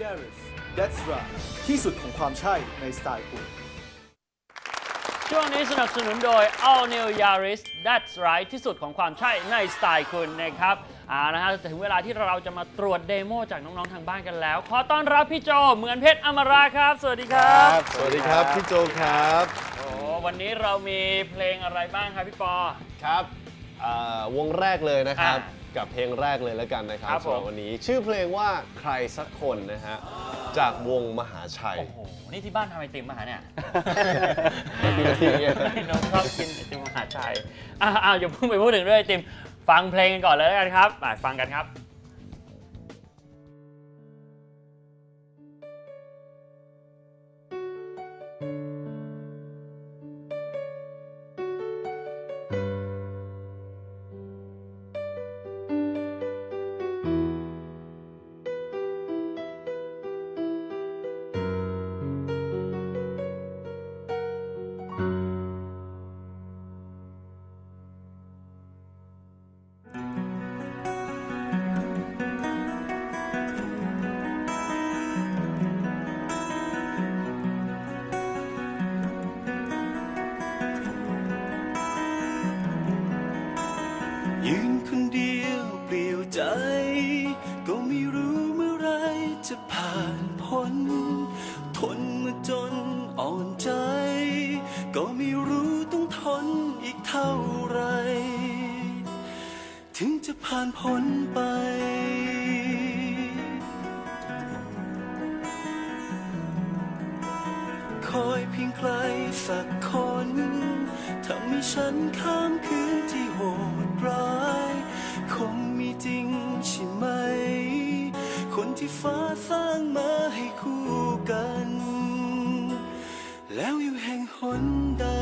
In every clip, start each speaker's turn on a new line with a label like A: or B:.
A: Yaris That's right ที่สุดของความใช่ในสไตล์คุณ
B: ช่วงนี้สนับสนุนโดย All New Yaris That's right ที่สุดของความใช่ในสไตล์คุณนะครับนะฮะถึงเวลาที่เราจะมาตรวจเดโมจากน้องๆทางบ้านกันแล้วขอต้อนรับพี่โจเหมือนเพชรอมราครับสวัสดีครับ
C: สวัสดีครับพี่โจครับ
B: โอ้วันนี้เรามีเพลงอะไรบ้างครับพี่ปอ
C: ครับวงแรกเลยนะครับกับเพลงแรกเลยแล้วกันนะครับสำหรับวันนี้ชื่อเพลงว่าใครสักคนนะฮะจากวงมหาชัย
B: โอ้โหนี่ที่บ้านทำไอติมมาหาเนี่ยน้องชอบกินไอติมมหาชัยอย่าเพิ่งไปพูดถึงเรื่องไอติมฟังเพลงกันก่อนเลยแล้วกันครับฟังกันครับ
D: ยืนคนเดียวเปลี่ยวใจก็ไม่รู้เมื่อไรจะผ่านพ้นทนมาจนอ่อนใจก็ไม่รู้ต้องทนอีกเท่าไรถึงจะผ่านพ้นไปคอยเพียงใครสักคนทำให้ฉันข้ามคืนที่โหดร้ายคงมีจริงใช่ไหมคนที่ฟ้าสร้างมาให้คู่กันแล้วอยู่แห่งหนใด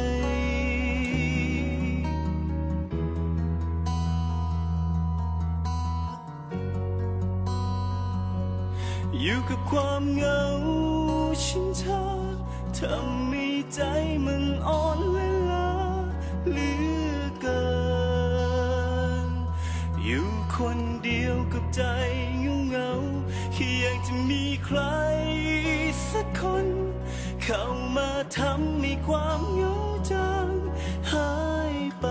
D: อยู่กับความเหงาชินชาทำให้ใจมันอ่อนเวลาเหลือเกินอยู่คนเดียวกับใจเหงาแค่อยากจะมีใครสักคนเข้ามาทำให้ความเหงาจางหายไป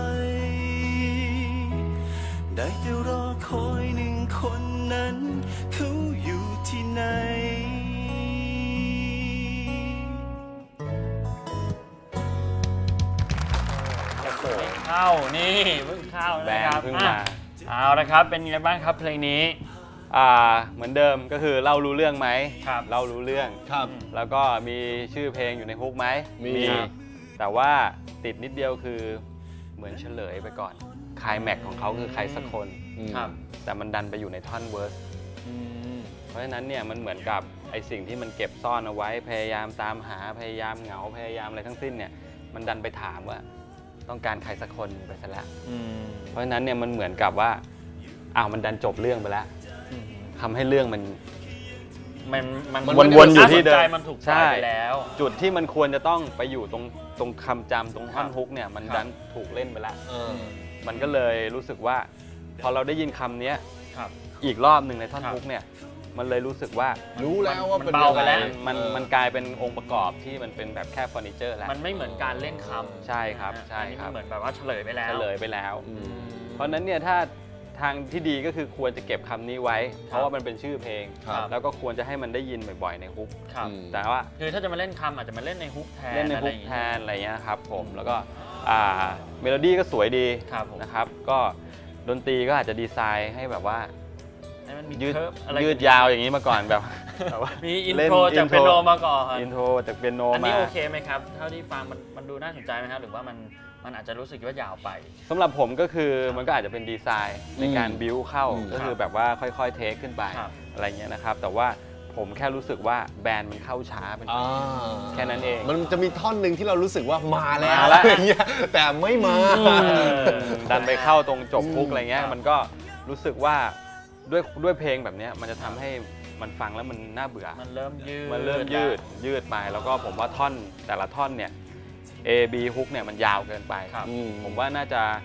D: ได้แต่รอคอยหนึ่งคนนั้นเขาอยู่ที่ไหน
B: เข้านี่เพิ่งเข้านะครับเพิ่งมาเอาละครับเป็นไงบ้างครับเพลงนี้
E: เหมือนเดิมก็คือเล่ารู้เรื่องไหม
B: ครับ
E: เล่ารู้เรื่อง
C: ครับ
E: แล้วก็มีชื่อเพลงอยู่ในฮุกไหม
C: มี
E: แต่ว่าติดนิดเดียวคือเหมือนเฉลยไปก่อนคลายแม็กของเขาคือใครสักคน
B: ครับ
E: แต่มันดันไปอยู่ในท่อนเวิร์สเพราะฉะนั้นเนี่ยมันเหมือนกับไอสิ่งที่มันเก็บซ่อนเอาไว้พยายามตามหาพยายามเหงาพยายามอะไรทั้งสิ้นเนี่ยมันดันไปถามว่าต้องการใครสักคนไปซะแล้วเพราะฉะนั้นเนี่ยมันเหมือนกับว่ามันดันจบเรื่องไปแล้วทำให้เรื่องมันวนอยู่ที่เดิม
B: มันถูกปล่อยไปแล้ว
E: จุดที่มันควรจะต้องไปอยู่ตรงคำจำตรงท่อนฮุกเนี่ยมันดันถูกเล่นไปแล้วมันก็เลยรู้สึกว่าพอเราได้ยินคำนี้อีกรอบหนึ่งในท่อนฮุกเนี่ยมันเลยรู้สึกว่า
C: รู้แล้วว่าเป็น
B: เบาไปแล้ว
E: มันกลายเป็นองค์ประกอบที่มันเป็นแบบแค่เฟอร์นิเจอร์แล้ว
B: มันไม่เหมือนการเล่นคำ
E: ใช่ครับใช่ครับ
B: เหมือนแบบว่าเฉลยไปแล้ว
E: เพราะนั้นเนี่ยถ้าทางที่ดีก็คือควรจะเก็บคำนี้ไว้เพราะว่ามันเป็นชื่อเพลงแล้วก็ควรจะให้มันได้ยินบ่อยๆในฮุกแต่ว่า
B: คือถ้าจะมาเล่นคำอาจจะมาเล่นในฮุกแทน
E: อะไรเงี้ยครับผมแล้วก็เมโลดี้ก็สวยดีนะครับก็ดนตรีก็อาจจะดีไซน์ให้แบบว่ายืดยาวอย่างนี้มาก่อนแบบ
B: ว่ามีอินโทรจากเปียโนมาก่อน
E: อินโทรจากเปียโนมา
B: อันนี้โอเคไหมครับเท่าที่ฟังมันดูน่าสนใจไหมครับหรือว่ามันอาจจะรู้สึกว่ายาวไป
E: สำหรับผมก็คือมันก็อาจจะเป็นดีไซน์ในการบิวเข้าก็คือแบบว่าค่อยๆเทคขึ้นไปอะไรเงี้ยนะครับแต่ว่าผมแค่รู้สึกว่าแบนด์มันเข้าช้าเป็นแค่นั้นเอง
C: มันจะมีท่อนหนึ่งที่เรารู้สึกว่ามาแล้วอะไรเงี้ยแต่ไม่มา
E: ดันไปเข้าตรงจบฮุกอะไรเงี้ยมันก็รู้สึกว่าด้วยเพลงแบบนี้มันจะทำให้มันฟังแล้วมันน่าเบื่อ
B: มันเริ่ม
E: ยืดไปแล้วก็ผมว่าท่อนแต่ละท่อนเนี่ย A B ฮุกเนี่ยมันยาวเกินไปผมว่าน่าจะ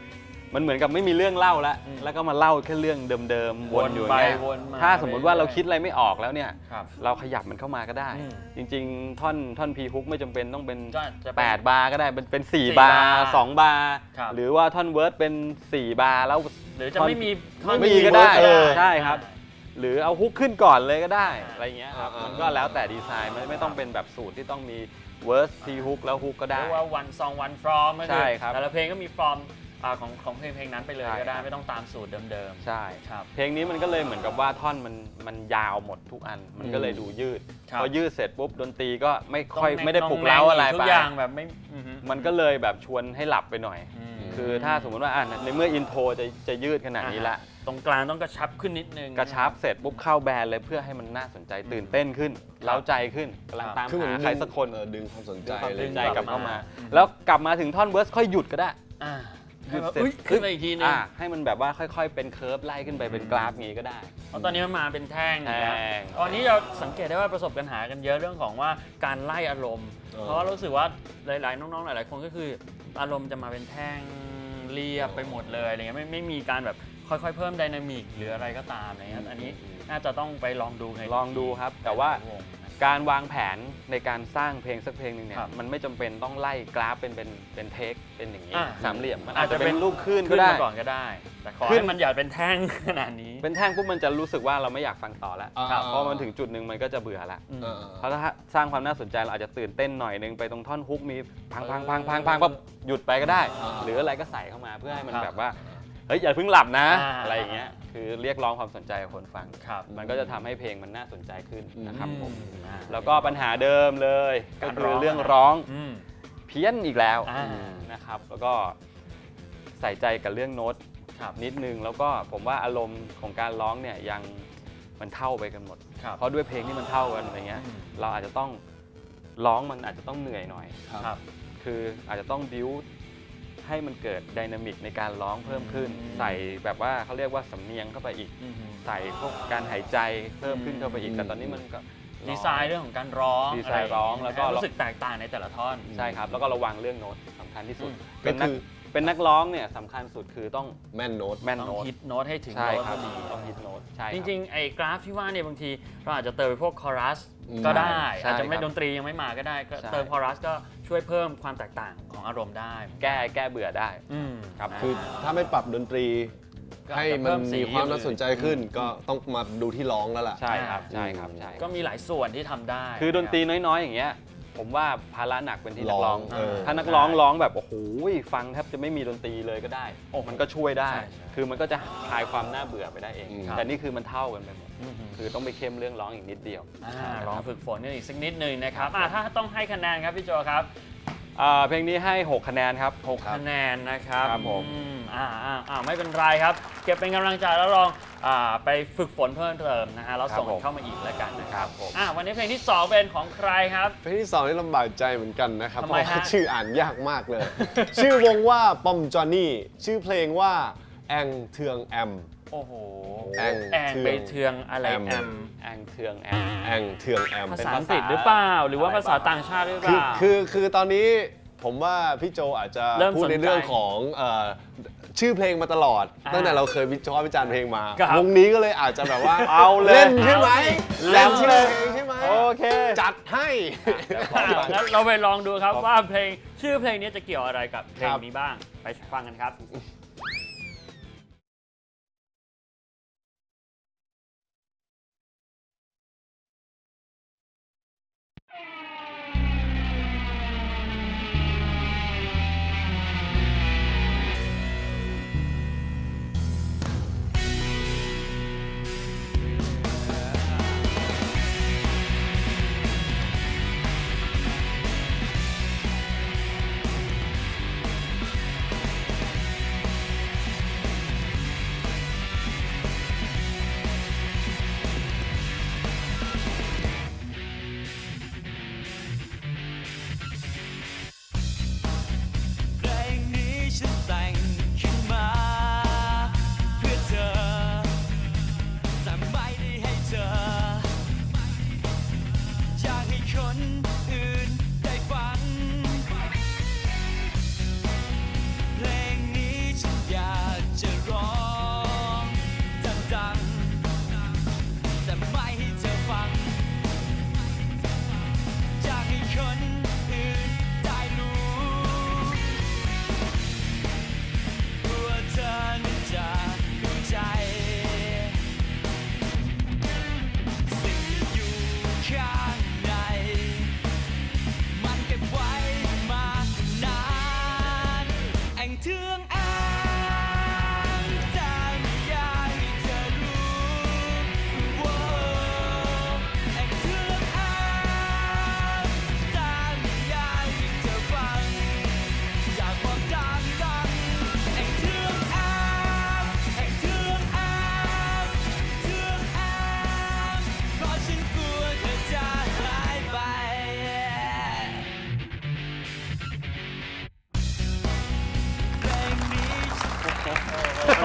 E: มันเหมือนกับไม่มีเรื่องเล่าแล้วก็มาเล่าแค่เรื่องเดิมๆวนอยู่อย่างเงี้ย
B: วนมา
E: ถ้าสมมุติว่าเราคิดอะไรไม่ออกแล้วเนี่ย
B: ครับ
E: เราขยับมันเข้ามาก็ได้ จริงๆท่อนพีฮุกไม่จำเป็นต้องเป็น
B: ก็จะเป็น
E: 8 บาร์ก็ได้เป็น
B: 4
E: 4 บาร์ 2 บาร์
B: ครับ
E: หรือว่าท่อนเวิร์สเป็น 4 บาร์แล้ว
B: หรือจะไม่มี
E: ไม่มีก็ได้
B: เวิร์ส
E: ใช่ครับ หรือเอาฮุกขึ้นก่อนเลยก็ได้อะไรเงี้ยครับ
C: อ่ามั
E: มันก็แล้วแต่ดีไซน์ไม่ต้องเป็นแบบสูตรที่ต้องมีเวิร์สทีฮุกแล้วฮุกก็ได้
B: เรียกว่า one song one from ก็
E: ใช่
B: คือ
E: ครับ
B: แต่ละเพลงก็มี from ของเพลงนั้นไปเลย
E: ใช่
B: ก็ได้
E: ครับ
B: ไม่ต้องตามสูตรเดิม
E: ใช่
B: ครับ
E: เพลงนี้มันก็เลยเหมือนกับว่าท่อนมันยาวหมดทุกอัน มันก็เลยดูยืด
B: ครับ
E: พอยืดเสร็จปุ๊บดนตรีก็ไม่ค่อย
B: ต้อง
E: ไม่ได้ปลุกเร้าอะไร
B: ทุ
E: ไป
B: กอย่างแบบไม่อือฮึ
E: มันก็เลยแบบชวนให้หลับไปหน่อย
B: ม
E: คือถ้าสมมติว่าในเมื่ออินโทรจะยืดขนาดนี้ละ
B: ตรงกลางต้องกระชับขึ้นนิดนึง
E: กระชับเสร็จปุ๊บเข้าแบนเลยเพื่อให้มันน่าสนใจตื่นเต้นขึ้นเร้าใจขึ้นกำลังตาม
C: คือเหมือน
E: หาใครสักคน
C: ดึงความสนใจ
E: ความ
C: อะไร
E: ส
C: อน ย่าง
E: ใจ
C: เงี้ย
E: กลับเข้ามา
B: อืม
E: แล้วกลับมาถึงท่อนเวิร์สค่อยหยุดก็ได้
B: อ่า
E: หยุด
B: ให้
E: เสร็จ
B: อุ๊ยขึ้นมาอีกทีนึง
E: ให้มันแบบว่าค่อยๆเป็นเคิร์ฟไล่ขึ้นไปเป็นกราฟงี้ก็ได้
B: เพราะตอนนี้มันมาเป็นแท่ง
E: แท่ง
B: ตอนนี้เราสังเกตได้ว่าประสบปัญหากันเยอะเรื่องของว่าการไล่อารมณ์ เพราะว่ารู้สึกว่าหลายๆน้องๆหลายๆคนก็คืออารมณ์จะมาเป็นแท่งเรียบไปหมดเลยอะไรเงี้ยไม่มีการแบบค่อยๆเพิ่มไดนามิกหรืออะไรก็ตามอะไรเงี้ยอันนี้น่าจะต้องไปลองดูใน
E: ลองดูครับ แต่ว่า
B: วงนะ
E: การวางแผนในการสร้างเพลงสักเพลงหนึ่งเนี่
B: ครั
E: ย
B: บ
E: มันไม่จำเป็นต้องไล่กราฟเป็นเทคเป็นอย่างนี้
B: อ่า
E: สามเหลี่ยมมัน
B: อา
E: อา
B: จ
E: จ
B: จะ
E: จะ
B: เป็
E: เป็น นลูกขึ้นก็
B: ขึ้น
E: ได้
B: มาก่อนก็ได้ แต่ขอ
E: ขึ้
B: ให้
E: น
B: มันอย่าเป็นแท่งขนาดนี้
E: เป็นแท่งปุ๊บมันจะรู้สึกว่าเราไม่อยากฟังต่อแล้ว
C: ครับ
E: เพราะมันถึงจุดหนึ่งมันก็จะเบื่อละ
B: อืม
E: เพราะถ้าสร้างความน่าสนใจเราอาจจะตื่นเต้นหน่อยนึงไปตรงท่อนฮุกมีพังปั๊บหยุดไปก็ได้ หรืออะไรก็ใส่เข้ามาเพื่อให้มัน
B: ครับ
E: แบบว่าเฮ้ยอย่าเพิ่งหลับนะ
B: อ่า
E: อะไรอย่างเงี้ยคือเรียกร้องความสนใจของคนฟัง
B: ครับ
E: มันก็จะทำให้เพลงมันน่าสนใจขึ้นนะครับผม
B: อ่า
E: แล้วก็ปัญหาเดิมเลยก็
B: การ
E: คื
B: ร้
E: อ
B: อง
E: เรื่องร้อง
B: อืม
E: เพี้ยนอีกแล้ว
B: อ่า
E: นะครับ แล้วก็ใส่ใจกับเรื่องโน้ต
B: ครับ
E: นิดนึงแล้วก็ผมว่าอารมณ์ของการร้องเนี่ยยังมันเท่าไปกันหมด
B: ครับ
E: เพราะด้วยเพลงที่มันเท่ากันอะไรเงี้ย
B: อืม
E: เราอาจจะต้องร้องมันอาจจะต้องเหนื่อยหน่อย
B: ครับ
E: คืออาจจะต้องบิวให้มันเกิดไดนามิกในการร้องเพิ่มขึ้น
B: อืม
E: ใส่แบบว่าเขาเรียกว่าสำเนียงเข้าไปอีก
B: อืม
E: ใส่พวกการหายใจเพิ่มขึ้นเข้าไปอีก
C: อืม
E: แต่ตอนนี้มันก็
B: ดีไซน์เรื่องของการร้อง
E: ดีไซน์ร้องแล้วก็
B: ให้รู้สึกแตกต่างในแต่ละท่อน
E: ใช่ครับ แล้วก็ระวังเรื่องโน้ตสำคัญที่สุด
B: อืม
E: เป็นนักร้องเนี่ยสำคัญสุดคือต้อง
C: แม่นโน้ต
E: แม่น
B: ต้อง
E: โน้ต
B: ฮิตโน้ตให้ถึง
E: ใช่
B: โน้ต
E: ค
B: พ
E: รับ
B: อดี
E: ต้องฮิตโน้ตใช่ค
B: จ
E: รับ
B: ริงๆไอ้กราฟที่ว่าเนี่ยบางทีเราอาจจะเติมไปพวกคอรัส
C: อืม
B: ก็ได้
E: ใช่
B: อาจจะไม่
E: ครับ
B: ดนตรียังไม่มาก็ได้ก็
E: ใช่
B: เติมคอรัสก็ช่วยเพิ่มความแตกต่างของอารมณ์ได้
E: แก้เบื่อได้
B: อืม
E: ครับ
C: คือถ้าไม่ปรับดนตรี
B: ก็
C: ให้
B: อาจจะ
C: มัน
B: เพิ่มสี
C: มีความน่าสนใจขึ้น ก็ต้องมาดูที่ร้องแล้วล่ะ
E: ใช่ครับใช่ครับใช่
B: ก็มีหลายส่วนที่ทำได้
E: คือดนตรีน้อยๆ อย่างเงี้ยผมว่าภาระหนักเป็นที่นักร้อง
C: ร้องเออ
E: ถ้านักร้องร้องแบบโอ้โหฟังแทบจะไม่มีดนตรีเลยก็ได้มันก็ช่วยได้
B: ใช่ใช่
E: คือมันก็จะคลายความน่าเบื่อไปได้เอง
C: อืม
E: แต่นี่คือมันเท่ากันไปหมด
B: อืม
E: คือต้องไปเข้มเรื่องร้องอีกนิดเดียว
B: ลองฝึกฝนกันอีกสักนิดหนึ่งนะครับถ้าต้องให้คะแนนครับพี่โจครับ
E: เพลงนี้ให้ 6 คะแนนครับ
B: 6 คะแนนนะครับ
E: ครับผม
B: ไม่เป็นไรครับ เก็บเป็นกำลังใจแล้วลองไปฝึกฝนเพิ่มเติมนะฮะแล้วส่งเข้ามาอีกแล้วกันนะครับวันนี้เพลงที่ 2 เป็นของใครครับ
C: เพลงที่2นี่ลำบากใจเหมือนกันนะครับ
B: ทำ
C: เพ
B: ไม
C: ราะว่า
B: ฮะ
C: ชื่ออ่านยากมากเลย ชื่อวงว่าปอมจอห์นนี่ชื่อเพลงว่าแองเทืองแอม
B: โอ้โห
C: แอง
B: แองไปเทืองอะไร
C: แอม
B: แอม
E: แองเทืองแอม
C: แองเทืองแอม
B: ภาษาอังกฤษหรือเปล่า หรือว่าภาษาต่างชาติหรือเปล่า
C: คือตอนนี้ผมว่าพี่โจอาจจะ
B: เริ่ม
C: พูดใน
B: สนใจ
C: เรื่องของชื่อเพลงมาตลอด
B: อ่า
C: ตั้งแต่เราเคยวิจารณ์วิจารณ์เพลงมา
B: ครับ
C: วงนี้ก็เลยอาจจะแบบว่า
E: เอาเลย
C: เล่นใช่ไหม
B: เล่น
C: ชื่
B: เล
C: อย เพลงใช่ไหม
E: โอเค
C: จัดให้
B: งั้นเราไปลองดูครับว่าเพลงชื่อเพลงนี้จะเกี่ยวอะไรกับเพลงนี้บ้าง ไปฟังกันครับ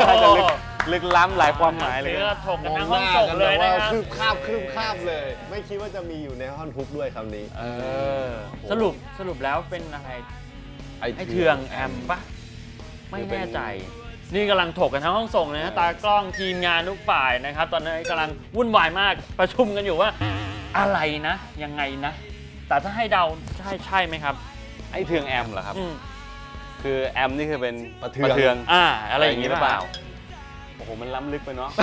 E: น่าจะลึกล้ำหลายความหมายเลย
B: ก็ถกกันทั้งห้องส่งเลยนะครับ
C: คืบคาบเลย ไม่คิดว่าจะมีอยู่ในท่อนฮุกด้วยคำนี้
B: สรุปแล้วเป็นอะไรไอเทืองแอมปะไม่แน่ใจนี่กำลังถกกันทั้งห้องส่งนะฮะตากล้องทีมงานทุกฝ่ายนะครับตอนนี้กำลังวุ่นวายมากประชุมกันอยู่ว่าอะไรนะยังไงนะแต่ถ้าให้เดาใช่ไหมครับ
E: ไอเทืองแอมเหรอครับคือแอมนี่คือเป็น
C: ประเทือง
B: อะไรอย่างนี้หรือเปล่า
E: โอ้โหมันล้ำลึกไปเนาะ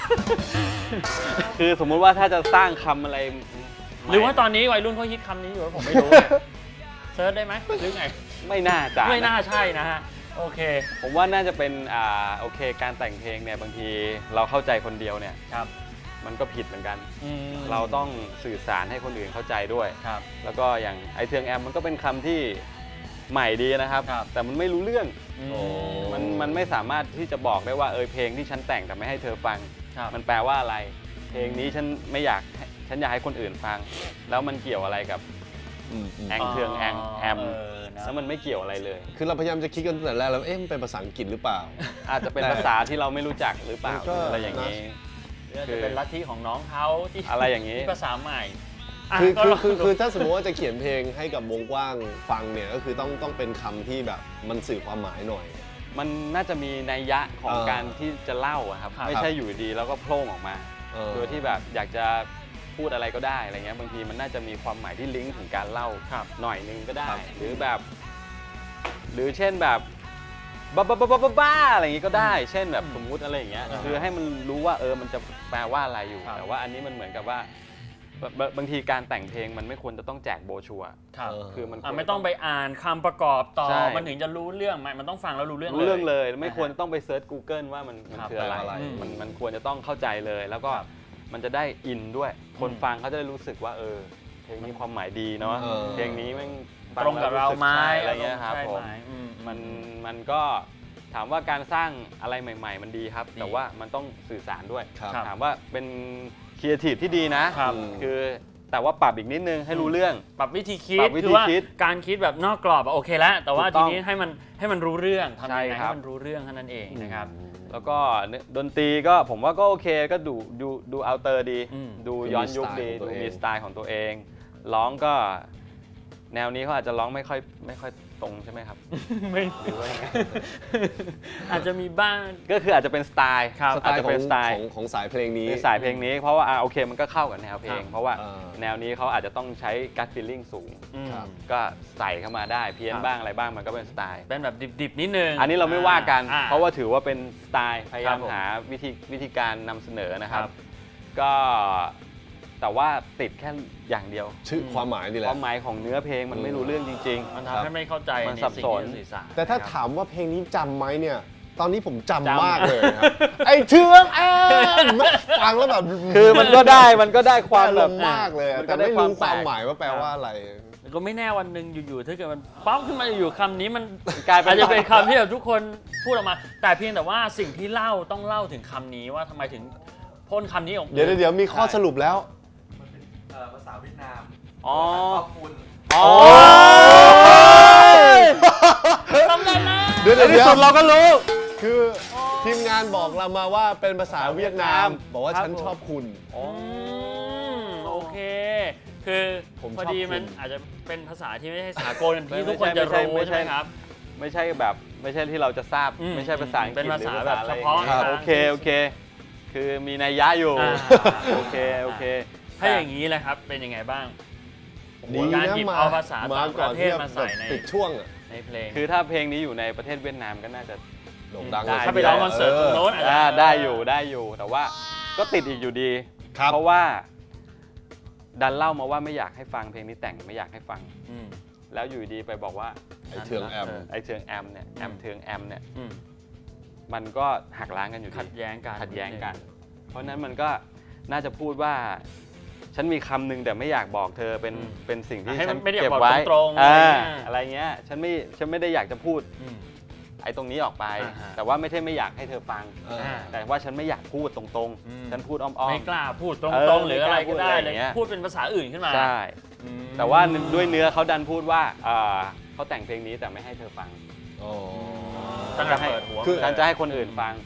E: คือสมมุติว่าถ้าจะสร้างคำอะไร
B: หรือว่าตอนนี้วัยรุ่นเขาฮิตคำนี้อยู่ผมไม่รู้เซิร์ชได้ไหมหรือไง
E: ไม่น่าจะ
B: ไม่น่าใช่นะฮะโอเค
E: ผมว่าน่าจะเป็นโอเคการแต่งเพลงเนี่ยบางทีเราเข้าใจคนเดียวเนี่ย
B: ครับ
E: มันก็ผิดเหมือนกันเราต้องสื่อสารให้คนอื่นเข้าใจด้วย
B: ครับ
E: แล้วก็อย่างไอเทืองแอมมันก็เป็นคำที่ใหม่ดีนะครับแต่มันไม่รู้เรื่องมันไม่สามารถที่จะบอกได้ว่าเพลงที่ฉันแต่งแต่ไม่ให้เธอฟังมันแปลว่าอะไรเพลงนี้ฉันอยากให้คนอื่นฟังแล้วมันเกี่ยวอะไรกับแองเทืองแอมแล้วมันไม่เกี่ยวอะไรเลย
C: คือเราพยายามจะคิดกันตั้งแต่แรกแล้วมันเป็นภาษาอังกฤษหรือเปล่า
E: อาจจะเป็นภาษาที่เราไม่รู้จักหรือเปล่าอะไรอย่างนี้
B: จะเป็นลัทธิของน้องเขาที่
E: อะไรอย่างนี้
B: ภาษาใหม่
C: คือถ้าสมมติว่าจะเขียนเพลงให้กับวงกว้างฟังเนี่ยก็คือต้องเป็นคำที่แบบมันสื่อความหมายหน่อย
E: มันน่าจะมีนัยยะของการที่จะเล่าครับไม่ใช่อยู่ดีแล้วก็โผล่ออกมาโดยที่แบบอยากจะพูดอะไรก็ได้อะไรเงี้ยบางทีมันน่าจะมีความหมายที่ลิงก์ถึงการเล่าหน่อยนึงก็ได้หรือแบบหรือเช่นแบบบ้าอะไรอย่างงี้ก็ได้เช่นแบบสมมุติอะไรอย่างเงี้ยคือให้มันรู้ว่ามันจะแปลว่าอะไรอยู่แต่ว่าอันนี้มันเหมือนกับว่าบางทีการแต่งเพลงมันไม่ควรจะต้องแจกโบชัว
B: คือมันไม่ต้องไปอ่านคำประกอบต่อมันถึงจะรู้เรื่องมันต้องฟังแล้วรู้เรื่อง
E: เลยไม่ควรต้องไปเซิร์ช Google ว่ามันคืออะไรมันควรจะต้องเข้าใจเลยแล้วก็มันจะได้อินด้วยคนฟังเขาจะได้รู้สึกว่าเพลงนี้ความหมายดีเนาะเพลงนี้มัน
B: ตรงกับเราไหม
E: อะไรเงี้ยครับผมมันก็ถามว่าการสร้างอะไรใหม่ๆมันดีครับแต่ว่ามันต้องสื่อสารด้วยถามว่าเป็นครีเอทีฟที่ดีนะคือแต่ว่าปรับอีกนิดนึงให้รู้เรื่อง
B: ปรับวิธีคิดคือว่าการคิดแบบนอกกรอบโอเคแล้วแต่ว่าทีนี้ให้มันรู้เรื่องทำยังไงให้มันรู้เรื่องเท่านั้นเองนะครับ
E: แล้วก็ดนตรีก็ผมว่าก็โอเคก็ดูเอาเตอร์ดีดูย้อนยุคดีดูมีสไตล์ของตัวเองร้องก็แนวนี้เขาอาจจะร้องไม่ค่อยตรงใช่ไหมครับ
B: ไม่หรือว่าอาจจะมีบ้าง
E: ก็คืออาจจะเป็นสไตล์
C: อาจจะเป็นสไตล์ของสายเพลงนี้
E: เพราะว่าโอเคมันก็เข้ากับแนวเพลงเพราะว่าแนวนี้เขาอาจจะต้องใช้กัตฟีลลิ่งสูงก็ใส่เข้ามาได้เพี้ยนบ้างอะไรบ้างมันก็เป็นสไตล์
B: เป็นแบบดิบๆนิดนึง
E: อันนี้เราไม่ว่ากันเพราะว่าถือว่าเป็นสไตล์พยายามหาวิธีการนำเสนอนะครับก็แต่ว่าติดแค่อย่างเดียว
C: ชื่อความหมายนี่แหละ
E: ความหมายของเนื้อเพลงมันไม่รู้เรื่องจริง
B: ๆมันทำให้ไม่เข้าใจ
E: มันสับสน
C: แต่ถ้าถามว่าเพลงนี้จำไหมเนี่ยตอนนี้ผมจำมากเลยครับไอ้เทืองฟังแล้วแบบ
E: คือมันก็ได้ความแบบ
C: มากเลยแต่ไม่รู้ความหมายว่าแปลว่าอะไร
B: ก็ไม่แน่วันหนึ่งอยู่ๆถ้าเกิดมันป๊อปขึ้นมาอยู่คำนี้มันกลายเป็นอาจจะเป็นคำที่แบบทุกคนพูดออกมาแต่เพียงแต่ว่าสิ่งที่เล่าต้องเล่าถึงคำนี้ว่าทำไมถึงพ่นคำนี้ออกมา
C: เดี๋ยวมีข้อสรุปแล้ว
F: ภาษาเวียดนาม
B: ขอบคุณ
C: สำเร็จแล้วเดี๋ยวที่สุดเราก็รู้คือทีมงานบอกเรามาว่าเป็นภาษาเวียดนามบอกว่าฉันชอบคุณ
B: โอเคคือพอดีมันอาจจะเป็นภาษาที่ไม่ใช่สากลที่ทุกคนจะรู้ใช่ไหมครับ
E: ไม่ใช่ที่เราจะทราบไม่ใช่ภาษาอังกฤษ
B: เป็นภาษาแบบเฉพาะ
E: โอเคคือมีนัยยะอยู่โอเค
B: ถ้าอย่างนี้แหละครับเป็นยังไงบ้างการหยิบเอาภาษาต่างประเทศมาใส่ใน
C: ช่วง
B: ในเพลง
E: คือถ้าเพลงนี้อยู่ในประเทศเวียดนามก็น่าจะ
C: โด่งดัง
B: ถ้าไปร้องคอนเสิร์ตตรงโน้น
E: ได้อยู่แต่ว่าก็ติดอีกอยู่ดีเพราะว่าดันเล่ามาว่าไม่อยากให้ฟังเพลงนี้แต่งไม่อยากให้ฟังแล้วอยู่ดีไปบอกว่า
C: ไอเทืองแอม
E: เนี่ยแอมเทืองแอมเนี่ยมันก็หักล้างกันอยู่
B: ขัดแย้ง
E: กันเพราะนั้นมันก็น่าจะพูดว่าฉันมีคำหนึ่งแต่ไม่อยากบอกเธอเป็นสิ่งที่ฉันเก็บไว้อะไรเงี้ยฉันไม่ได้อยากจะพูดไอ้ตรงนี้ออกไปแต่ว่าไม่ใช่ไม่อยากให้เธอฟังแต่ว่าฉันไม่อยากพูดตรงๆฉันพูดอ้อมๆ
B: ไม่กล้าพูดตรงๆหรืออะไรก็ได้เลยพูดเป็นภาษาอื่นขึ้นมา
E: ใช่แต่ว่าด้วยเนื้อเขาดันพูดว่าเขาแต่งเพลงนี้แต่ไม่ให้เธอฟัง
B: ตั้งแต่เปิดหัว
E: ฉันจะให้คนอื่นฟัง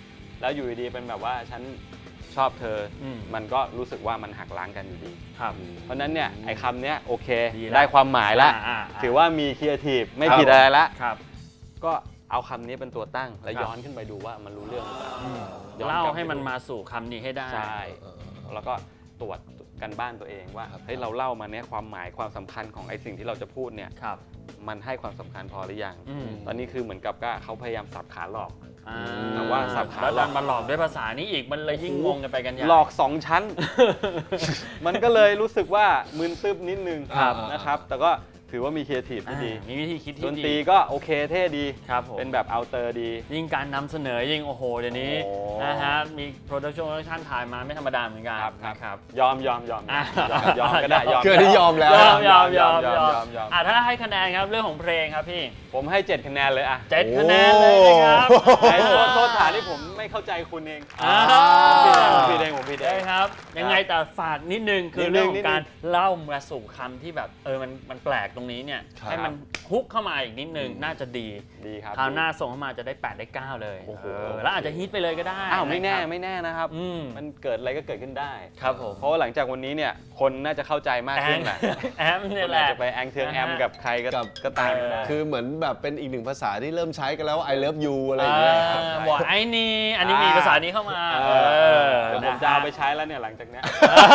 E: แล้วอยู่ดีๆเป็นแบบว่าฉันชอบเธออ
B: ม
E: มันก็รู้สึกว่ามันหักล้างกันอยู่ดี
B: ครับ
E: เพราะฉะนั้นเนี่ยไอ้คำเนี้ยโอเค
B: ดีแล้ว
E: ได้ความหมายแล้ว ถือว่ามีครีเอทีฟไม่ผิดอะไรละ
B: ครับ
E: ก็เอาคำนี้เป็นตัวตั้งแล้วย้อนขึ้นไปดูว่ามันรู้เรื่องหรือเปล่าย้อน
B: เล่าก
E: ลับไป
B: ให้มัน
E: ดู
B: มาสู่คำนี้ให้ได้
E: ใช่แล้วก็ตรวจกันบ้านตัวเองว่าเฮ้ยเราเล่ามาเนี่ยความหมายความสำคัญของไอ้สิ่งที่เราจะพูดเนี่ย
B: ครับ
E: มันให้ความสำคัญพอหรือยัง
B: อืม
E: ตอนนี้คือเหมือนกับก็เขาพยายามสับขาหลอก
B: อ่า
E: แต่ว่าสับขา
B: แล้ว
E: หล
B: ดั
E: อก
B: นมาหลอกด้วยภาษานี้อีกมันเลยยิ่งงงกันไปกันใหญ่
E: หลอก2 ชั้น มันก็เลยรู้สึกว่ามึนตึ๊บนิดนึง
C: ครับ
E: นะครับ แต่ก็ถือว่ามีครีเอทีฟที่ดี
B: มีวิธีคิด
E: ด
B: ที่
E: น
B: ดี
E: ตรีก็โอเคเท่ดี
B: ครับผม
E: เป็นแบบเอาเตอร์ดี
B: ยิ่งการนำเสนอยิ่งโอ้โหเดี๋ยวนี้
E: โอ้
B: นะฮะมีโปรดักชั่นถ่ายมาไม่ธรรมดาเหมือนกัน
E: ครับ
B: นะครับ
E: ยอม
B: อ่ะ
E: ก็ได้ยอม
C: เกิดที่ยอมแล้ว
B: ยอม
E: ยอม
B: อ่ะถ้าให้คะแนนครับเรื่องของเพลงครับพี่
E: ผมให้ 7 คะแนนเลยอ่ะ
B: 7 คะแนนเลยนะครับ
E: ไอ้โทษฐานที่ผมไม่เข้าใจคุณเอง
B: อ่า
E: ผมผิดเอง
B: ได้ครับ ยังไงแต่ฝากนิดนึงคือเรื่องของการ
E: นิดนึง
B: เล่ามาสู่คำที่แบบมันแปลกตรงนี้เนี่ย
C: ครับ
B: ให้มันฮุกเข้ามาอีกนิดนึงน่าจะดี
E: ดีครับ
B: คราวหน้าส่งเข้ามาจะได้8ได้9เลย
E: โอ้โห
B: แล้วอาจจะฮิตไปเลยก็ได้
E: อ้าวไม่แน่
B: นะครับ
E: ไม่แน่นะครับ
B: อืม
E: มันเกิดอะไรก็เกิดขึ้นได้
B: ครับผม
E: เพราะว่าหลังจากวันนี้เนี่ยคนน่าจะเข้าใจมากขึ้นแหละ
B: แอม
E: ค
B: เนี่ย
E: น
B: แห
E: อาจ
B: ละ
E: จะไปแองเทืองแอม
B: นะฮะ
E: กับใครก็ตามไม่ได้
C: คือเหมือนแบบเป็นอีกหนึ่งภาษาที่เริ่มใช้กันแล้วว่า I love you อะไรอย่างเงี้ยครับ
B: บอกไอ้นี่อันนี้มีภาษานี้เข้ามา
E: เดี๋ยวผมจะเอาไปใช้แล้วเนี่ยหลังจากเนี้ย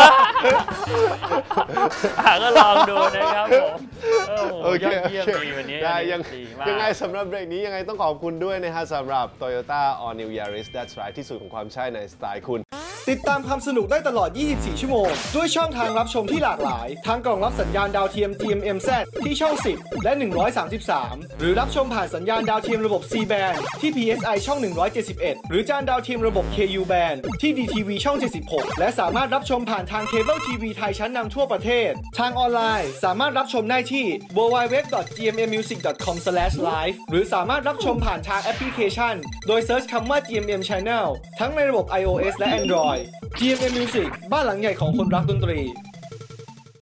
B: ก็ลองดูนะครับผมโอ้โห
C: โอเค
B: ยอดเยี่ยมดีวันนี้
C: ได้ยัง
B: ดีมาก
C: ยังไงสำหรับเบรกนี้ยังไงต้องขอบคุณด้วยนะฮะสำหรับ Toyota All New Yaris That's Right ที่สุดของความใช่ในสไตล์คุณ
A: ติดตามความสนุกได้ตลอด 24 ชั่วโมง ด้วยช่องทางรับชมที่หลากหลาย ทั้งกล่องรับสัญญาณดาวเทียม GMMZ ที่ช่อง 10 และ 133 หรือรับชมผ่านสัญญาณดาวเทียมระบบ C band ที่ PSI ช่อง 171 หรือจานดาวเทียมระบบ KU band ที่ DTV ช่อง 76 และสามารถรับชมผ่านทางเคเบิลทีวีไทยชั้นนำทั่วประเทศ ทางออนไลน์สามารถรับชมได้ที่ www.gmmmusic.com/live หรือสามารถรับชมผ่านทางแอปพลิเคชัน โดยเซิร์ชคำว่า GMM Channel ทั้งในระบบ iOS และ Android GMM Music บ้านหลังใหญ่ของคนรักดนตรี